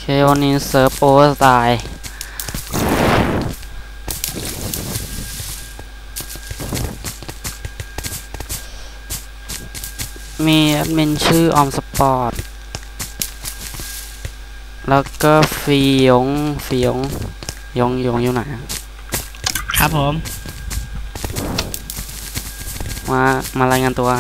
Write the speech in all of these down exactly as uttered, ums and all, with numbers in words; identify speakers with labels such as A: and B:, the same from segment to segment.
A: เควันนี้เซิร์ฟโอเวอร์ไตล์มีแอดมินชื่อออมสปอร์ตแล้วก็ฟียงฟียงยงยงอยู่ไหน
B: ครับผม
A: มามารายงานตัว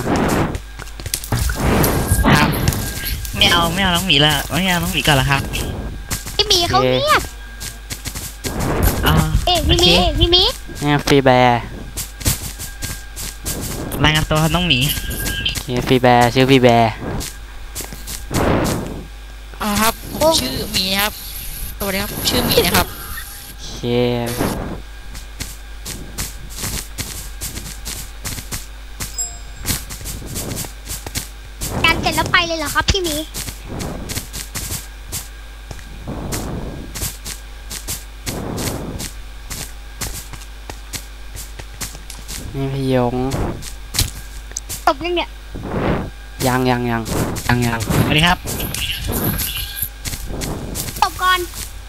B: ครับไม่เอาไม่เอาน้องหมีละไม่เอาน้องหมีก่อนละครับ
C: พี่หมีเขาเงียบ
B: อ่า
C: เอ๊ะพี่หมีพี่หมี
A: เนี่ยฟรีแบร์
B: รายงานตัวครับน้องหมี
A: โอเคฟรีแบร์ชื่อฟรีแบร์
D: อ่าครับผมชื่อหมีครับสวัสดีครับชื่อหมีนะครับ
A: โอเค
C: การเสร็จแล้วไปเลยเหรอครับพี่หมี
A: นี่พี่ยง
C: จบยังเนี่ย
A: ยังยังยังยังยัง
B: สวัสดีครับ
C: จบก่อน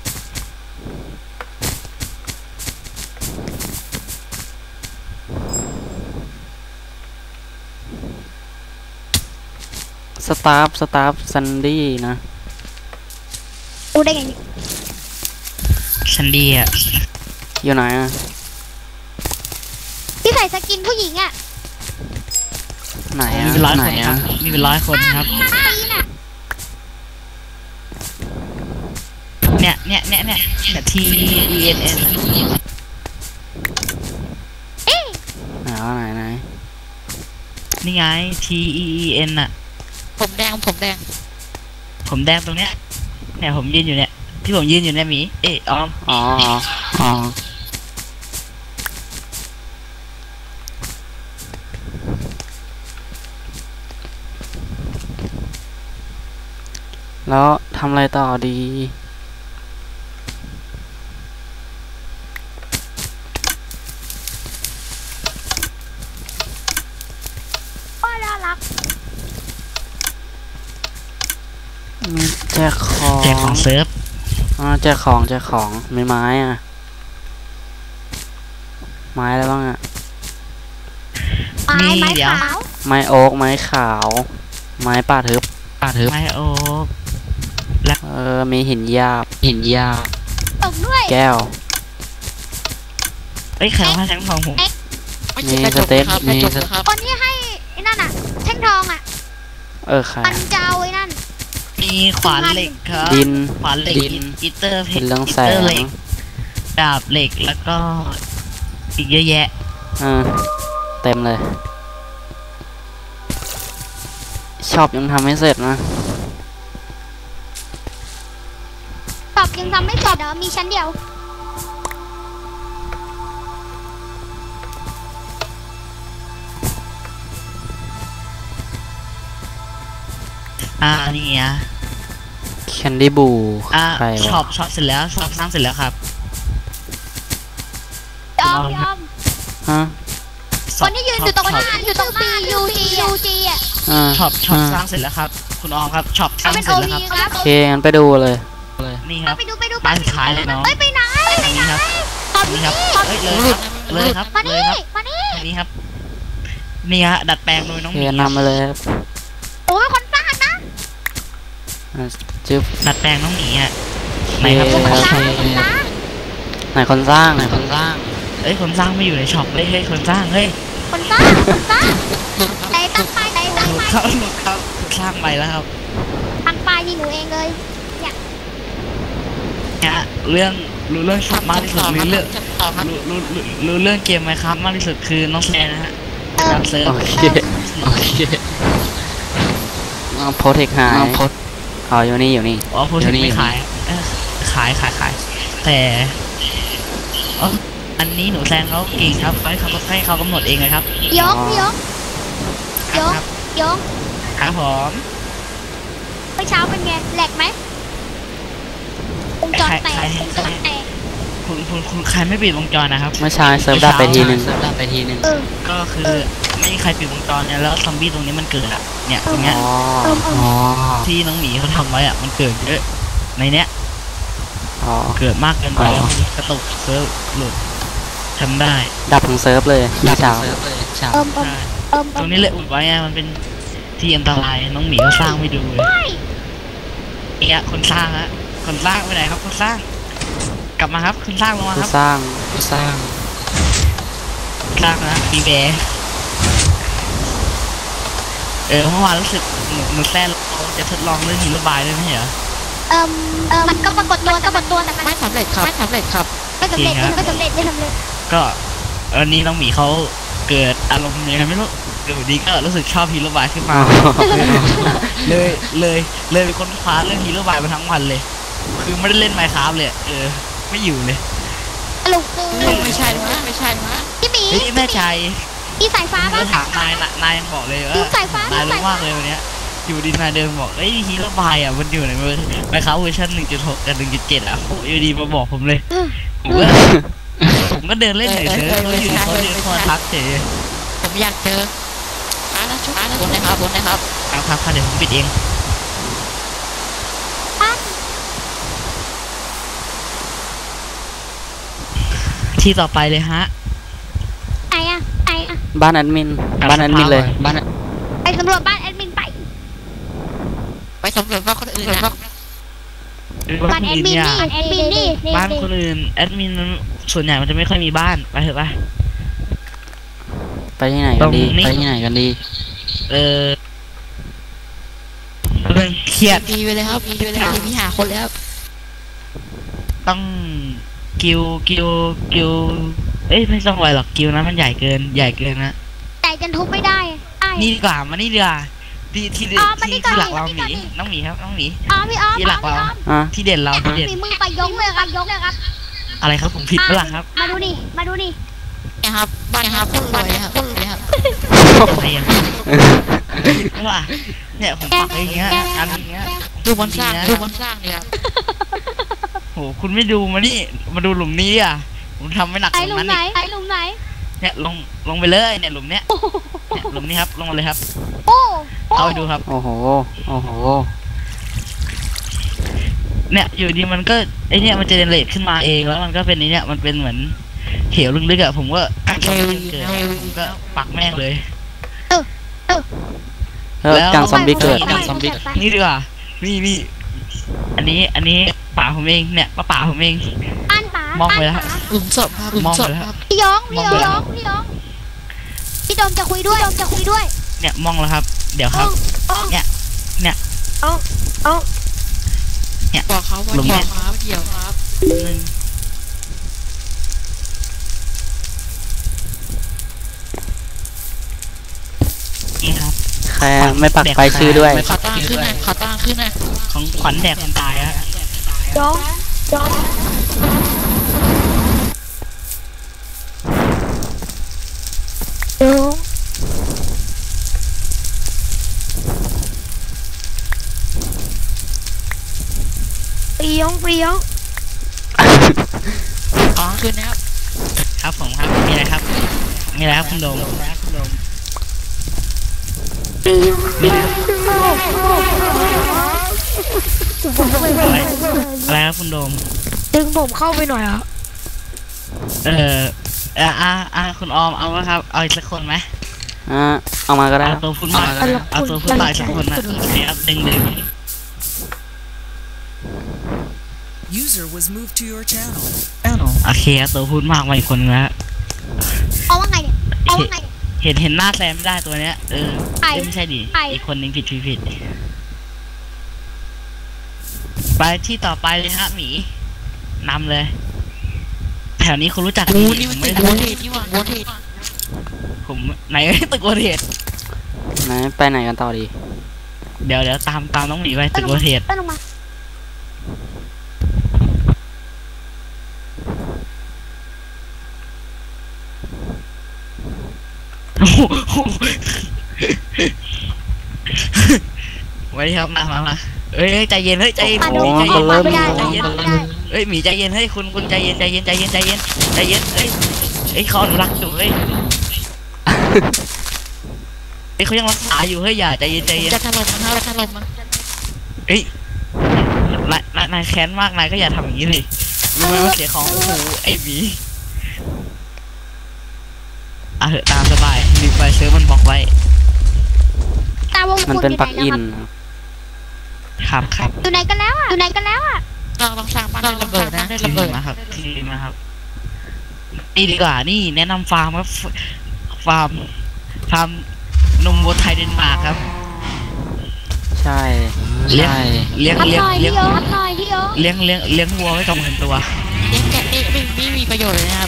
A: สตาฟสตาฟซันดี้นะ
C: รู้ได้ไง
B: ซันดี้อ่ะ
A: อยู่ไหนอ่ะ
C: ที่ใส่สกินผู้หญิงอ่ะ
A: ไหนอ่ะ
B: มีเป็นร้อยคนครับมีเป็นร้อยคนครับเนี่ยเนี่ยเนี่ยเนี่ย T E N N
C: เอ๊ะ
A: ไหนไหนไหน
B: นี่ไง T E E N อ่ะ
D: ผมแดงผมแดง
B: ผมแดงตรงเนี้ยเนี่ยผมยืนอยู่เนี่ยที่ผมยืนอยู่เนี่ยหมีเอ๊ะออม
A: อ๋ออ๋อแล้วทำอะไรต่อดี
C: ก็น่ารัก
A: แจกของ
B: แจกของเซิร์ฟ
A: อ๋อแจกของแจกของไม่ไม้อ่ะไม้อะไรบ้างอ่ะ
C: ไม้ไม้ขาว
A: ไม้โอ๊กไม้ขาวไม้ป่าทึบป่าทึบ
B: ไม้โอ๊ก
A: เออมีหินหยาบหินหยาบ
C: ตกด้วย
A: แก้ว
B: เอ้ยใครให้แทงทองผม
A: มีสเต็กมีสเต็ก
C: คนที่ให้ไอ้นั่นอ่ะแท่งทองอ่ะ
A: เออใคร
C: มันเจ้าไอ้นั่น
B: มีขวานเหล็กครับ
A: ดิน
B: ขวานเหล็กอิตเตอร์เพชร
A: เรื่องแสง
B: ดาบเหล็กแล้วก็อีกเยอะแยะ
A: อ่าเต็มเลยชอบยังทำไม่เสร็จนะ
C: ตอบยังทำไม่เสร็จเดี๋ยวมีชั้นเดียว
B: อ่านี่อ่ะ
A: แคนดี้บู
B: อ่าช็อปช็อปเสร็จแล้วช็อปสร้างเสร็จแล้วครับ
C: ยอมยอม
A: ฮะ
C: คนที่ยืนอยู่ตรงหน้าอยู่ตรงหน้า U G U G อ่ะ
B: ช็อปช็อปสร้างเสร็จแล้วครับคุณออมครับช็อปสร้างเสร็จแล้วครับ
A: โอเคงั้นไปดูเลย
B: นี่ครับ
C: ไปดูไปดู
B: ไปขายเลยน้อง
C: เอ้ยไปไหน
B: นี่ครับนี่ครับเอ้ยเลยครับเลยครับ
C: มานี่มานี่
B: นี่ครับนี่ฮะดัดแปลงโดยน้องหมี
A: นำมาเลย
C: โอ้ยคนสร้างนะ
A: จึ๊บ
B: ดัดแปลงน้องหมีอ่ะ
A: ไหนครับไหนคนสร้างไหนคนสร้าง
B: เอ้ยคนสร้างไม่อยู่ในช็อปเลยเฮ้ยคนสร้างเฮ้ย
C: คนสร้างคนสร้างไหนตั้งป้ายไหนตั้งป้าย
B: เขาเขาสร้างไปแล้วครับ
C: ตั้งป้ายที่หนูเองเลย
B: เนี่ยเนี่ยเรื่องรู้เรื่องช็อปมากที่สุดรู้เรื่องรู้รู้รู้เรื่องเกมไหมครับมากที่สุดคือน้องแซนนะฮะการเซิร์ฟ
A: โอเคโอเคโพสเทคหายอ๋ออยู่นี่อยู่นี่
B: อ๋อโพสเทคไม่ขายขายขายขายแต่อันนี้หนูแซงเขาเก่งครับให้เขาให้เขากำหนดเองเลยครับ
C: ยกยกยกยก
B: ครับผม
C: เมื่อเช้าเป็นไงแหลกไหมวงจรแตกวงจรแตก
B: คุณคุณคุณใครไม่ปิดวงจรนะครับ
A: เมื่อเช้าเซิร์ฟดับไปทีนึงเซิร์ฟดับไปทีนึง
B: ก็คือไม่มีใครปิดวงจรเนี่ยแล้วซอมบี้ตรงนี้มันเกิดอ่ะเนี่ยตรงเนี้ยที่น้องหมีเขาทำไว้อ่ะมันเกิดเยอะในเนี้ย
A: อ๋อ
B: เกิดมากเกินไป
A: อ๋อ
B: แล้วกระตุกเซิร์ฟหลุดทำได้
A: ดับทั้งเซิร์ฟเลยพี่เช้า
C: เอิมเอิม
B: ใช่
C: เอิม
B: ตรงนี้เลยอุดไว้ไงมันเป็นที่อันตรายน้องหมีเขาสร้างไม่ดูเลยเนี่ยคนสร้างฮะคนสร้างไปไหนครับคนสร้าง กลับมาครับคนสร้างลงมาค
A: ผู้
B: รับ
A: สร้าง
B: สร้างสร้างนะบีแบร์เออเมื่อวานรู้สึกหนูหนูแซ่เราจะทดลองเรื่องหินระบายด้วยไม่ใช่เหรอ
C: เอิมเอิมมันก็ปรากฏตัวก็ปรากฏตัวแต่มัน
D: ไม่สำเร็จครับไม่สำเร็จครับ
C: ไม่สำเร็จไม่สำเร็จไม่สำเร็จ
B: ก็วันนี้น้องหมีเขาเกิดอารมณ์ยังไงไม่รู้เดี๋ยวดีก็รู้สึกชอบฮีโร่บายขึ้นมา เลยเลยเลยเป็นคนคว้าเรื่องฮีโร่บายมาทั้งวันเลย คือไม่ได้เล่นไมค์คราฟเลยเออไม่อยู่เลย
C: สรุปคือ
D: ไม่ใช่นะไม่ใช่นะ
C: พี่หมี
B: เฮ้ยแม่ชาย
C: พี่สายฟ้า
B: ก็
C: ป่ะ
B: ถามนายนะนายยังบอกเลยว่า
C: ดูสายฟ้าน
B: าย
C: ดู
B: รู้
C: สายฟ้าม
B: มากเลยวันเนี้ยอยู่ดีนายเดินบอกเอ้ยฮีโร่บายอ่ะมันอยู่ในมือไมค์คราฟเวอร์ชันหนึ่งจุดหกกับหนึ่งจุดเจ็ดอ่ะโอ้ยอยู่ดีมาบอกผมเลยผมก็ผมก็เดินเล่นเฉยๆแล้วอยู่ดีเขาเดินเข้ามาทักเฉย
D: ผมอยากเจอร้านนะชุดร้านนะบนนะครับบนนะครับ
B: เอาครับค่ะเดี๋ยวผมปิดเองที่ต่อไปเลยฮะ
C: ไอ้อะไอ้อะ
A: บ้านแอดมินบ้านแอดมินเลยบ้าน
C: ไปสำรวจบ้านแอดมินไป
D: ไปสำรวจว่าคนอื่นนะ
C: บ้านแอดมินนี่แอดมินนี่
B: บ้านคนอื่นแอดมินมันส่วนใหญ่มันจะไม่ค่อยมีบ้านไปเถอะไป
A: ไปที่ไหนกันดี
B: ตรงนี้
A: ไปที่ไหนกันดี
B: เออเรื่องเครียด
D: มีไปเลยครับมีไปเลยครับมีหาคนแล้ว
B: ต้องกิวกิวกิวเอ้ยไม่ต้องไวหรอกกิวนะมันใหญ่เกินใหญ่เกินนะ
C: แต่จนทุบไม่ได้ไอ้
B: นี่ดีกว่ามานี่ดีกว่าที่ที่
C: อ๋อมานี่
B: ที่
C: ก่อน
B: ที่หลักเรา
C: มานี่
B: ห
C: ก่อ
B: มี
C: น
B: น้องหมีครับน้องหมี
C: อ๋อพี่อ้อม
B: ที่หลักเรา
A: อ่ะ
B: ที่เด่นเราที่เด่น
C: มีมือไปยกเลยครับยกเลยครับ
B: อะไรครับผมผิดเปล่าครับ
C: มาดูนี่มาดูนี่
D: นะครับบ้านนะครับคนรวยครับคนรวยครับ
B: อะไรอ่ะผิดเปล่าเนี่ยผมปักไว้อย่างเงี้ยอันอย่างเงี้ย
D: ดูบนสร้างดูบนสร้างเนี่ยครับ
B: โหคุณไม่ดูมานี่มาดูหลุมนี้อ่ะผมทำไม่หนัก
C: ไอ้
B: ต
C: ห
B: ร
C: ลุ
B: ง
C: ม
B: นั้น
C: ไหน
B: อีก
C: ไอ้หลุมไหน
B: เนี่ยลงลงไปเลยเนี่ยหลุมเนี้ยเนี่ยหลุมนี้ครับลงมาเลยครับ
C: โอ้
B: เอาไปดูครับ
A: โอ้โหโอ้โห
B: เนี่ยอยู่ดีมันก็ไอเนี่ยมันจะเจเนเรตขึ้นมาเองแล้วมันก็เป็นไอเนี่ยมันเป็นเหมือนเหวลึกๆอะผมก็การชอบเกิดผมก็ปักแม่งเลย
A: แล้วการซอมบี้เกิด
B: แล้ว
A: ซอมบี้
B: นี่ดีกว่านี่นี่อันนี้อันนี้ป่าผมเองเนี่ยป้าป่าผมเอง
C: อันป๋าม
B: องไปแล้ว
D: หลุมศพครับหลุมศพครับ
C: พี่ยงพี่ยงพี่ยงพี่โดมจะคุยด้วยโดมจะคุยด้วย
B: เนี่ยมองแล้วครับ เดี๋ยวครับ เนี่ยเนี่ย
D: บอกเขาว่า
B: หลุม
D: เกี่
B: เนี่ย
D: ยวครับเกี่ยวครับ
B: หนึ่งนี่ครับ
A: แค่ไม่ปักไปชื่อด้วย
B: ไม่
D: ขอตั้งขึ้นนะขอตั้งขึ้นนะ
B: ของขวัญแดกคนตายฮะ
C: ยงยงยงปียงปียง
D: ขอขึ้นนะครับ
B: ครับผมครับมีอะไรครับมีอะไรครับคุณโดมอะไรอะไรครับคุณโดม
C: ดึงผมเข้าไปหน่อยอ่ะ
B: เออเอ่ออ่าอ่าคุณออมเอาไหมครับเอาอีกสักคนไหม
A: อ่ะเอามาก็ได้
B: เอาตัวพูดมากเอาตัวพูดมากอีกสักคนนะเนี่ยครับดึงดึง
E: User was moved to your channel.
B: โอเคเอาตัวพูดมากมาอีกคนนะ
C: เอาว่าไงเนี่ยเอาว่าไง
B: เห็นเห็นหน้าแซมไม่ได้ตัวเนี้ยเออ
C: ใคร
B: เอ้ยไม่ใช่ดิ
C: ใคร
B: อีกคนนึงผิดผิดผิดไปที่ต่อไปเลยฮะหมีนำเลย แถวนี้คุณรู้จัก
D: โอ้
B: ดี
D: นี่
B: ผ
D: มัน
B: มไม่
D: ตึก
B: รู้
D: โวเทสนี่หว่าโวเทส
B: ผมไหน ตึกโวเทส
A: ไหนไปไหนกันต่อดี
B: เดี๋ยวเดี๋ยวตามตามน้องหมีไปตึกโวเทส
C: ต้นลงมา
B: โอ้โหไว้ครับมามามาเอ้ยเอ้ยใจเย็นเฮ้ยใจเย็น
C: มา
B: ห
C: ดู
B: มีใจ
C: อ
B: เย็
C: อก
B: น
C: มาไม่ได้
B: ใจ
C: ออก
B: เย็น
C: มาไม่ได้
B: เอ้ยหมีใจเย็นเฮ้ยคุณคุณใจเย็นใจเย็นใจเย็นใจเย็นใจเย็นเอ้ยเอ้ยเขาอนุรักษ์อยู่เฮ้ยเอ้ยเขายังรักษาอยู่เฮ้ยอย่าใจเย็นใจเย็น
D: จะถล่มมันครับจะถล่มมัน
B: เอ้ยนายนายนายแค้นมากนายก็อย่าทำอย่างนี้เลยรู้ไหมว่าเสียของโอ้โหไอ้หมีอ่ะเหอะตามสบายรีบไปซื้อมันบอกไว้
C: ตาวง
A: มัน
C: คุณ
A: เป็น
C: อยู่
A: ปลั๊ก
C: ไหน
A: อิ
C: แล้ว
A: น
C: ครับ
A: ครับ
B: ครับครับ
C: อยู่ไหนกันแล้วอ่ะอยู่ไหนกันแล้วอ่ะ
D: เราต้องสร้างบ้านให้ระเบิดนะให้
B: ที
D: ระเบิด
B: มาครับทีมาครับนี่ดีกว่านี่แนะนำฟาร์มครับฟาร์มฟาร์มนมวัวไทยเดนมาร์กครับ
A: ใช่
B: เลี้ยง
A: ใช่
B: เลี้ยง
C: รับ
B: เลี้ย
C: ห
B: ง
C: น่อย
B: เลี้ย
C: พี่
B: ง
C: โยรับหน่อยพี่โย
B: เลี้ยงเลี้ยงเลี้ยงวัวไว้กับหมื่นตัว
D: เลี้ยงแกะไม่ไม่ไม่มีประโยชน์เลยนะครับ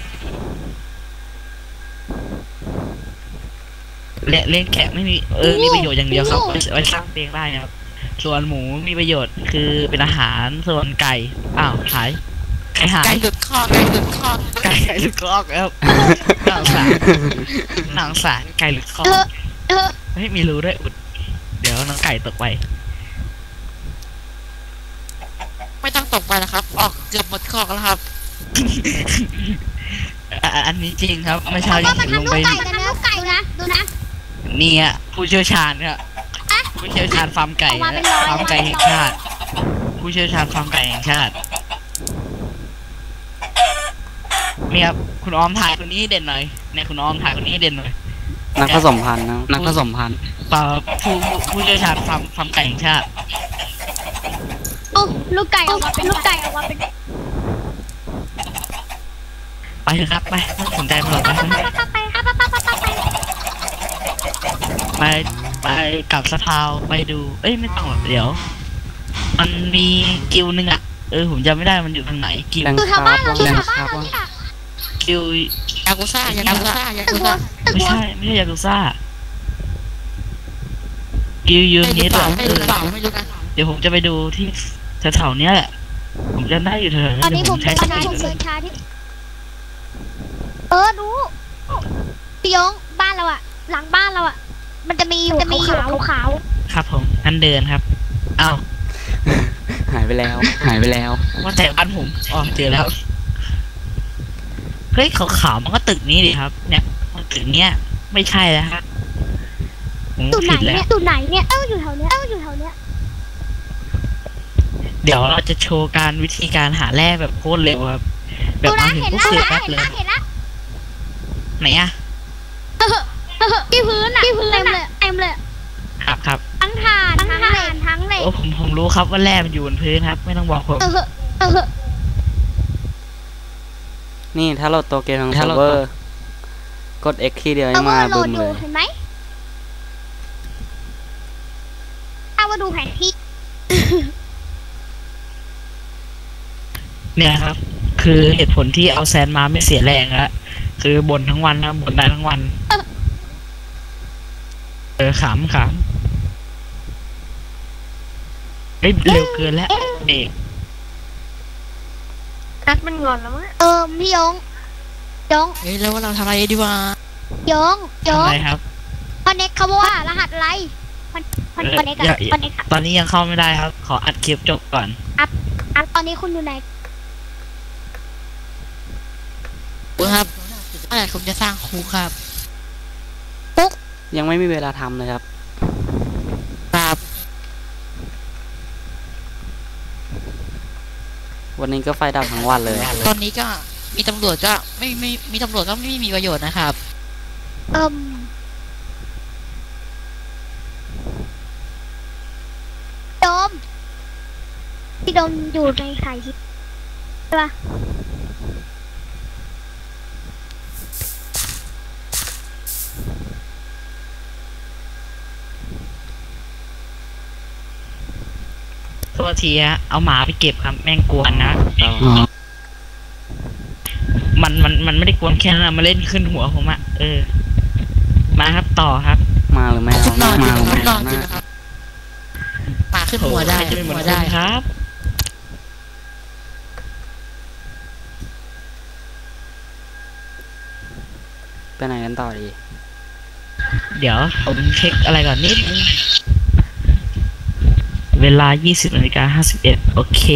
B: เลี้ยงเลี้ยงแกะไม่มีเออมีประโยชน์อย่างเดียวครับไว้ไว้สร้างเตียงได้นะครับส่วนหมูมีประโยชน์คือเป็นอาหารส่วนไก่อ้าวหายไก่หาย
D: ไก่หลุดคอกไก่หลุดคอก
B: ไก่ไก่หลุดคอกแล้วหนังสารหนังสารไก่หลุดคอก
C: เออเออ
B: ไม่มีรูด้วยอุดเดี๋ยวน้องไก่ตกไป
D: ไม่ต้องตกไปนะครับ ออกเกือบหมดคอกแล้วครับ
B: อ่ะอันนี้จริงครับเมื่อเช้ายั
C: ว่าง มั
B: เห็
C: น
B: นลง
C: ทำลู
B: ไป
C: กไก่กันนะไก่นะดูนะ
B: เนี่ยผู้เชี่ยวชาญครับผู้เชี่ยวชาญฟาร์มไก่
C: เอามาเป็นร้อย
B: ฟาร์มไก่แห่งชาติ ผู้เชี่ยวชาญฟาร์มไก่แห่งชาตินี่ครับคุณออมถ่ายคนนี้ให้เด่นหน่อยเนี่ยคุณออมถ่ายคนนี้ให้เด่นหน่อย
A: นักผสมพันธุ์นะนักผสมพันธุ์
B: เปล่าผู้ผู้ผู้เชี่ยวชาญฟาร์มฟาร์มไก่แห่งชาติ
C: โอ้ลูกไก่ออกมาเป็นลูกไก่ออกมาเป็น
B: ไปเถอะครับไปไม่สนใจมันหรอกไป
C: ไปไปไปไป
B: ไปไปกลับสะพาวไปดู เอ้ยไม่ต้องหรอกเดี๋ยว มันมีกิวหนึ่งอะเออผมจำไม่ได้มันอยู่ทางไหนกิว
A: แรง
C: ดู
A: ค
C: แถว
A: รา
C: บ้า
A: บ
C: นเรา
A: แรง
C: แถว
A: ค
C: บ้าน
A: ราบ
C: เราเนี่ย
B: กิวย
D: ากุซ่ายากุซ่ายา
C: ตึ
D: กุ
C: กวัว
D: ซ่า
C: ตึก
B: ไม่
C: วัว
B: ใช่ไม่ใช่ยากุซ่ากิวยู
D: ไม่
B: นี้
D: รู้เป
B: ตั
D: ล่าว ไม่รู้เปล่าไม่รู้นะ
B: เดี๋ยวผมจะไปดูที่แถวๆเนี้ยแหละผมจะได้อยู่แถวๆ
C: ตอน
B: นี้
C: นี้
B: เดี๋ยว
C: ผ
B: ผม มใช้
C: เดิ
B: ส
C: นช้า
B: ปีด
C: ผมเดินช้าที่เออรู้พี่ยงบ้านเราอะหลังบ้านเราอะมันจะมีอยู่จะมีอยู่ขาว
B: ครับผมอันเดินครับอ้าว
A: หายไปแล้ว หายไปแล้ว
B: ว่าแต่บ้านผมอ๋อเจอแล้วเฮ้ยขาวๆมันก็ตึกนี้ดิครับ เนี่ยมันตึกเนี้ยไม่ใช่แล้วครับผม
C: ๆตุ่ไหน
B: ผิดแล้ว
C: เนี่ยตุ่ไหนเนี่ยเอ้าอยู่แถวเนี้ยเอ้าอยู่แถวเนี้ย
B: เดี๋ยวเราจะโชว์การวิธีการหาแร่แบบโคตรเร็วครับ แบบ
C: ดู
B: มา
C: นะ
B: ถึง
C: เห็น
B: ปุ๊บ
C: แล้ว
B: เสือ
C: นะ
B: แป๊บเลย
C: เห็นแล้วเห็นแล้ว
B: ไหนอะ
C: ที่พื้นอะที่พื้นเต็มเลยเต็มเลย
B: ครับครับ
C: ทั้งถ่านทั้งถ่านทั้งเหล็ก
B: โอ้ผมผมรู้ครับว่าแร่มันอยู่บนพื้นครับ ไม่ต้องบอกผม
C: เออเออ
A: นี่ถ้าโหลดตัวเกมทางเซิร์ฟเวอร์ กด X ทีเดียว
C: เอ
A: ให้
C: อ
A: มา
C: โหล
A: บึ
C: ด
A: ม
C: อ
A: เล
C: ยู่
A: ย
C: เห็นไหมเอามาดูแผนที่
B: เนี่ยครับ คือเหตุผลที่เอาแซนมาไม่เสียแรงอะคือบ่นทั้งวันนะบ่นได้ทั้งวัน เออขำขำเอ้ยเร็วเกินแล้วเด็ก
C: นัดมันงอนแล้วมั้งเออพี่ยงยง
D: เฮ้ยแล้วว่าเราทำอะไรดีวะ
C: ยงย
B: ทำ
C: ง
B: ไรครับ
C: คอนเน็กเขาบอกว่ารหัสอะไรคอนคอนคอนเน็กอะคอนเน็ก
B: ตอนนี้ยังเข้าไม่ได้ครับ ขออัดคลิปจบก่อน
C: อันตอนนี้คุณอยู่ไหน
D: ครับเมื่อไหร่ผมจะสร้างคูครับ
A: ยังไม่มีเวลาทำเลยครับ
D: ครับ
A: วันนี้ก็ไฟดับทั้งวันเลย
D: ตอนนี้ก็มีตำรวจก็ไม่ไม่มีตำรวจก็ไม่มีประโยชน์นะครับ
C: เอิ่มโดมพี่โดมอยู่ในสายฮิตใช่ปะ
B: ตัวทีฮะเอาหมาไปเก็บครับ แม่งกวนนะ มันมันมันไม่ได้กวนแค่นั้นนะมาเล่นขึ้นหัวผมอะเออ มาครับต่อครับ
A: มาหรือไม่
D: ชุ
A: เอา
D: ดนอน
A: มา
D: จริง
A: หรือ
D: นะ
A: ไม่
D: ชุดน
A: เอา
D: อนจริงนะครับมาขึ้นหัวได้
B: จะไม่เหมื
D: หั
B: อน
D: ว
B: คุ
D: ได้
B: ณครับ
A: ไปไหนกันต่อดี
B: เดี๋ยวผมเช็คอะไรก่อนนิดนึงเวลา ยี่สิบนาฬิกาห้าสิบเอ็ด โอเค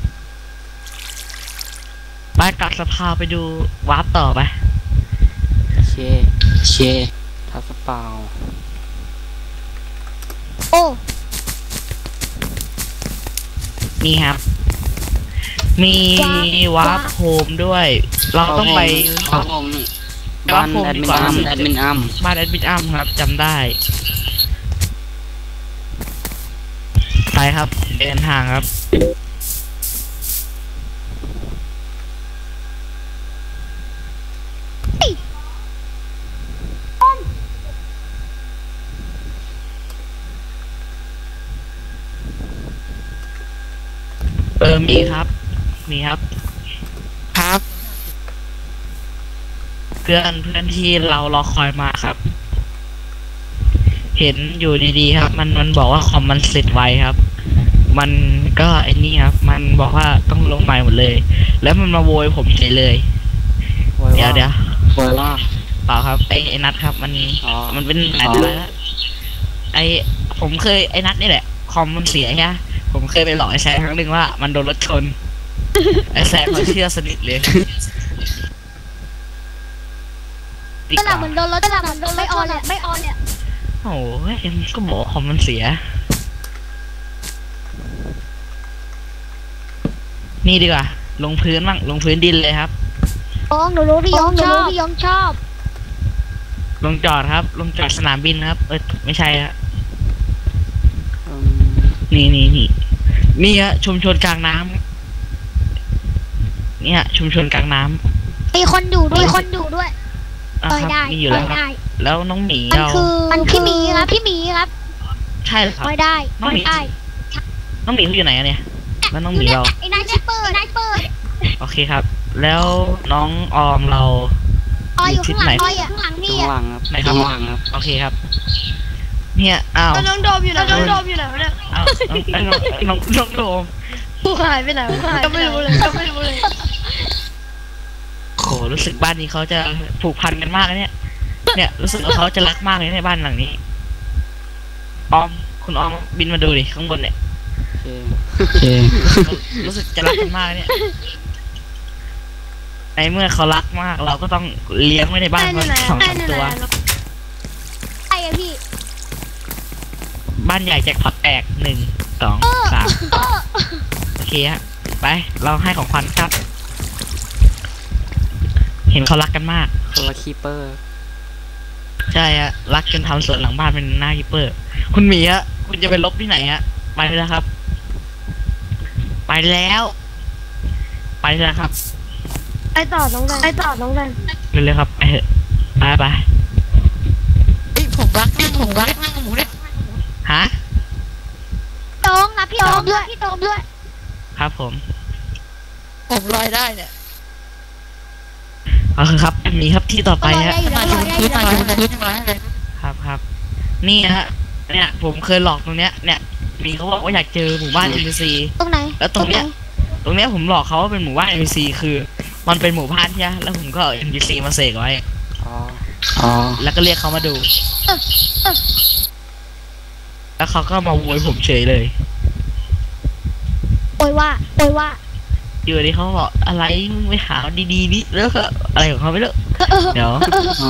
B: ไปกลับสภาไปดูวาร์ปต่อไป
A: โอเคโอเคทัสเปา
C: โอ้
B: นี่ครับ มีวาร์ปโฮมด้วย เราต้องไป
A: ครับผมบ้านแอดมินอัมแอดมินอัม
B: บ้านแอดมินอัมครับจำได้ ไปครับเดินทางครับ เออ มีครับ มีครับ
D: ครับ
B: เพื่อนเพื่อนที่เรารอคอยมาครับ เห็นอยู่ดีๆครับ มันมันบอกว่าคอมมันเสร็จไวครับ มันก็ไอ้นี่ครับ มันบอกว่าต้องลงใหม่หมดเลย แล้วมันมาโวยผมเฉยเลย เดี๋ยวเดี๋ยว
A: โวยว่า
B: เปล่าครับไอ้ไอ้นัทครับมัน
A: อ๋อ
B: มันเป็นหลายเดือนแล้วไอ้ผมเคยไอ้นัทนี่แหละคอมมันเสียใช่ไหมผมเคยไปหลอกไอ้แซมครั้งหนึ่งว่ามันโดนรถชน ไอ้แซมมันเชื่อสนิทเลย
C: กระหล่ำเหมือนโดนรถกระหล่ำเหมือนโดนไม่ออนเลยไม่ออนเนี่ย
B: โอ้ยเอ็มก็บอกว่าคอมมันเสีย นี่ดีกว่า ลงพื้นบ้างลงพื้นดินเลยครับ
C: ยองหนูรู้พี่ยองหนูรู้พี่ยองชอบ
B: ลงจอดครับ ลงจอดสนามบินครับ เออไม่ใช่ฮะ
A: อืม
B: นี่นี่นี่นี่ฮะชุมชนกลางน้ำเนี่ยชุมชนกลางน้ำ
C: มีคนอยู่ด้วยมีคนอยู่ด้วย
B: อ่ะ
C: ปล่อย
B: ครับ
C: ได้
B: มีอยู่
C: ปล่
B: แล้
C: อ
B: วย ครับ
C: ได้
B: แล้วน้องหมี
C: มัน
B: เรา
C: คือมันพี่หมีครับพี่หมีครับ
B: ใช่เหรอค
C: ป
B: รับ
C: ล่อยได้ปล่อยได้
B: น้องหมีเขาอยู่ไหนอะเนี่ย แล้วน้องหมีเรา
C: ไอ้นายชิปเปอร์นายเปิด
B: โอเคครับ แล้วน้องออมเรา
C: ออยอยู่ข้างหลังออยอ่ะข้างหลังพี่
A: ข้าง
C: อ่ะ
A: หลังครับ
B: ไหนครับ
A: ข้างหลังครับ
B: โอเคครับ เนี่ยอ้าว
F: น้องโดมอยู่ไหนน้องโดมอยู่ไหนวะเนี่ย
B: อ้าวน้องน้องน้องโดม
F: ผู้หายไปไหนผู้หายก็ไม่รู้เลยก็ไม่รู้เลย
B: โหรู้สึกบ้านนี้เขาจะผูกพันกันมากนะเนี่ย เนี่ยรู้สึกว่าเขาจะรักมากเลยในบ้านหลังนี้ ออมคุณออมบินมาดูดิข้างบนเนี่ย
A: โอเค
B: รู้สึกจะรักกันมากเนี่ย ในเมื่อเขารักมาก เราก็ต้องเลี้ยงไว้ในบ้าน
F: ได้
B: มั
F: ที่
B: น
F: ไหน
B: สอง
F: ได้
B: สาม
F: ที่
B: ตัว
F: ไหน
C: ไอ้อะพี่
B: บ้านใหญ่แจ็คพอตแตกหนึ่งสองสามโอเคฮะไป เราให้ของขวัญครับ เห็นเขารักกันมาก
A: คนละคีเปอร์
B: ใช่ฮะรักจนทำสวนหลังบ้านเป็นหน้าฮิปเปอร์ คุณหมีฮะคุณจะไปลบที่ไหนฮะไปแล้วครับ ไปแล้ว ไปแล้วครับ
F: ไอต่อน้องแดนไอต่อน้องแดน
B: เร็วๆครับไปเถอะไปไป
D: เอ้ยผมรักนั่งผมรักนั่งหมูเนี่ย
B: ฮะ
C: โต้งนะพี่โต้งด้วยพี่โต้งด้วย
B: ครับผม
D: ผมลอยได้เนี่ย
B: เอาคือครับมีครับที่ต่อไปฮะ
C: ลอยได้อยู่
D: มา
C: แล้ว
D: อยู่
C: ลอยได้อยู่แล้ว
D: บนพื้นมาอยู่บนพื้นยังไงเลย
B: ครับครับนี่ฮะเนี่ยผมเคยหลอกตรงเนี้ยเนี่ยมีเขาบอกว่าอยากเจอหมู่บ้าน เอ็น พี ซี
C: ตรงไหน
B: แล้วตรงเนี้ย ตรงเนี้ยผมหลอกเขาว่าเป็นหมู่บ้าน เอ็น พี ซี คือ มันเป็นหมู่บ้านใช่ไหมแล้วผมก็เอา เอ็น พี ซี มาเสกไว้
A: อ๋ออ๋อ
B: แล้วก็เรียกเขามาดู แล้วเขาก็มาโวยผมเฉยเลย
C: โอยว่าโอยว่า
B: อยู่ดีเขาบอกอะไรมึงไปหาดีๆนี่แล้วก็อะไรของเขาไม่รู้เดี๋ยว
A: อ๋อ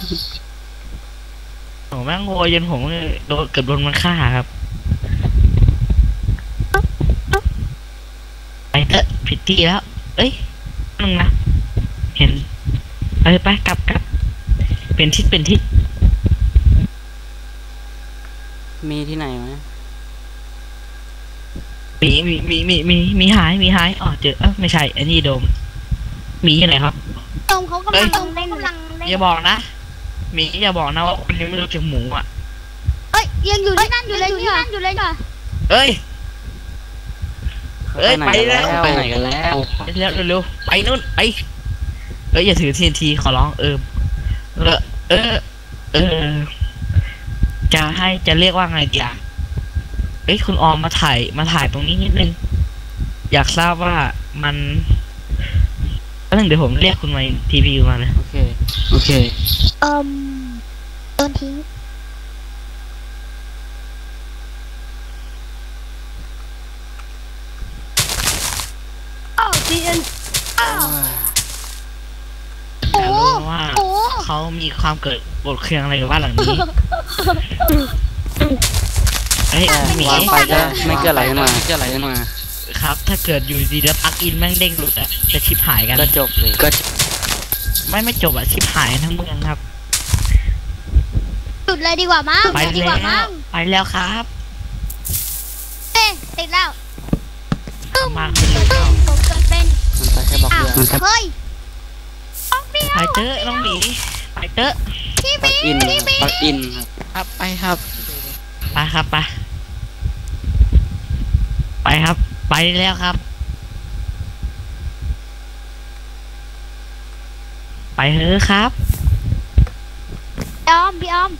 B: โหแม่งโวยจนผมโดนเกือบโดนมันฆ่าครับไปเถอะผิดที่แล้ว เอ้ยนึงนะเห็นไปไปกลับกลับเป็นทิศเป็นทิศ
A: มีที่ไหนไหม
B: มีมีมีมีมีมีหายมีหายอ๋อเจอเอ้าไม่ใช่อันนี้โดมมีอยู่ไหนครับ
C: โต้งเขากำลังเล่นกำลังเล่น
B: อย่าบอกนะมีอย่าบอกนะว่าคุณยังไม่รู้จักหมูอ่ะ
C: เอ้ยยังอยู่ที่นั่นอยู่เลยที่นั่นอยู่เลยจ้ะ
B: เอ้ย เอ้ย
A: ไปไหนกัน
B: ไปแล้ว
A: ไปไหนกันแล้ว
B: เร็วเร็วๆไปนู่นไปเอ้ยอย่าถือทีนทีขอร้องเออเออเออเออจะให้จะเรียกว่าไงดีอ่ะเอ้ยคุณออมมาถ่ายมาถ่ายตรงนี้นิดนึงอยากทราบว่ามันแล้วนึงเดี๋ยวผมเรียกคุณมาทีพีมาเลย
A: โอเคโอเค
C: เอ่มโดนทิ้ง
F: อ้าวทีเอ็นอ้าว
C: โอ้
B: อยากรู้ว่า
C: โอ้
B: เขามีความเกิดโกรธเคืองอะไรกับบ้านหลังนี้เอ้ยหมี
A: วางไปก็ไม่เกิดอะไรขึ้นมาไม่เกิดอะไรขึ้นมา
B: ครับ ถ้าเกิดอยู่ดีแล้วปลั๊กอินแม่งเด้งหลุดอะจะชิบหายกัน
A: ก็จบเลยก็
B: ไม่ไม่จบอะชิบหายทั้งเมืองครับ
C: จุดเลยดีกว่ามั้ง
B: ไป
C: ดีก
B: แล้
C: ว่ามั้
B: ว
C: ง
B: ไปแล้วครับ
C: เอ๊ะติดแล้วตึ้ม
B: มาขึ้นเลย
C: ตึ้มผมเกิดเป็น
A: มันไปแค่บล็อก
C: อ้าว
A: เดียว
C: เฮ้ยออกเดียว
B: ไปเจอน้องหมีไปเจอ
C: พี่
A: ปลั
C: บี
A: กอิน
C: พี่บี
A: ปลักอินครับ
D: ครับไปครับ
B: ไปครับไปไปครับ ไปแล้วครับ ไปเถอะครับ
C: พี่ออมพี่ออม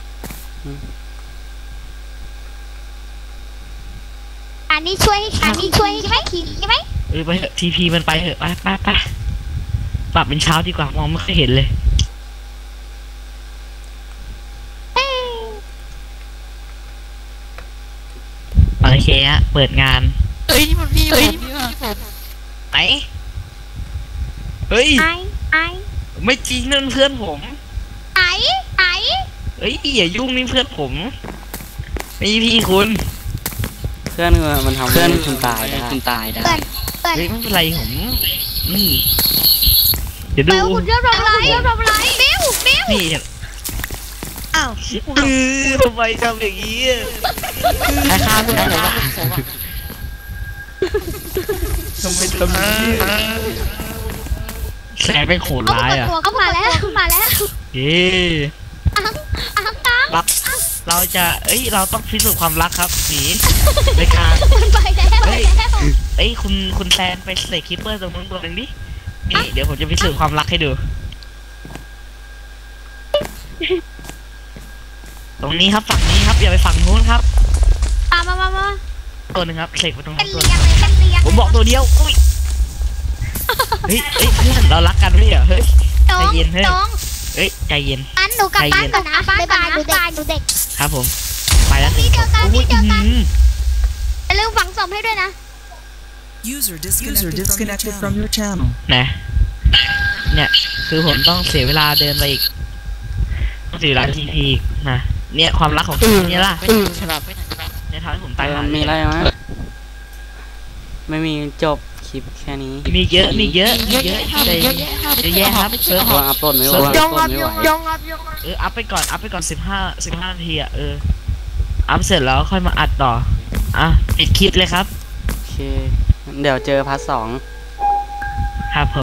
C: อันนี้ช่วยให้อันนี้ช่วยให้ใช่ไหมขี่ใช่ไหม
B: เออไปเถอะทีพีมันไปเถอะไปไปไปปรับเป็นเช้าดีกว่ามองไม่ค่อยเห็นเลย
C: เอ้ย
B: โอเคฮะเปิดงาน
D: เอ้ยนี่มันพี่ผมนี่ว่ะ
B: ไหนเฮ้ย
C: ไอไอ
B: ไม่จริงนั่นเพื่อนผม
C: ไอไอ
B: เฮ้ยอย่ายุ่งนี่เพื่อนผมไม่พี่คุณ
A: เพื่อนมันทำเพื่อนคุณตายได้คุณตายได้
C: เปิดเปิด
B: เฮ้ยไม่เป็นไรผมนี่เดี๋ยว
C: เปิ
B: ดู
C: ดหุ่นเรื่องอะไรเรื่องอะไรบิ้วบิ้ว
B: นี่
C: อ้าว
B: เออทำไมทำอย่างนี้อะใครฆ่าเพื่อนผมอะทำไมทำอย่างนี้อะแสบเป็นโขด
C: เขา
B: ร้าย
C: เปิด
B: อ่ะ
C: ตัวเข้ามาแล้วเข้ามาแล้ว
B: เย้
C: อ้าวอ้าวตาม
B: รักเราจะเอ้ยเราต้องพิสูจน์ความรักครับสีในการ
C: มันไปแล้วไปแล้ว
B: เอ้ยคุณคุณแซนไปใส่คิปเปอร์ตรงนู้นตัวหนึงดินี่เดี๋ยวผมจะพิสูจน์ความรักให้ดู ตรงนี้ครับฝั่งนี้ครับอย่าไปฝั่งนู้นครับ
C: มามามามา
B: ตัวหนึ่งครับเสกไปตรง
C: เป็
B: นู้
C: น
B: นตัวห
C: เรี
B: นึ่ง
C: ยงเลยเป็นเรียง
B: ผมบอกตัวเดียวอุ้ยเฮ้ยเฮ้ยเพื่อนเรารักกันไหมอ่ะเฮ้ย
C: น้อง
B: ใจเย็นเฮ้ย
C: น้อง
B: เฮ้ยใจเย็น
C: อันหนูกลับบ้านก่อนนะบ๊ายบายหนูเด็กหนูเด็ก
B: ครับผมไปแล้ว
C: พี่เจอกันพี่เจอกัน
B: อุ้ย
C: อย่าลืมฝังศพให้ด้วยนะ
E: User User disconnected, disconnected from your channel.
B: นะเนี่ยคือผมต้องเสียเวลาเดินไปอีกต้องเสียเวลาทีพีอีกนะเนี่ยความรักของคุณเนี่ยล่ะ
D: ไปไหนฉบับไปไหนฉบับ
B: เนี่ยทำให้ผม
A: แต่
B: ตายหา
A: มันมีอะไรไหมไม่มีจบคลิปแค่นี้
B: มีเยอะมีเยอะมีเยอะใจเยอะแยะครับเซิร์ฟ
A: วางอัพโหลดไม่ไหว
B: เซิร์ฟ
A: วางอัพโหลดไม่ไหว
B: เอออัพไปก่อนอัพไปก่อนสิบห้าสิบห้านาทีอ่ะเอออัพเสร็จแล้วค่อยมาอัดต่ออ่ะปิดคลิปเลยครับ
A: โอเค เดี๋ยวเจอพาร์ทสอง
B: ครับผม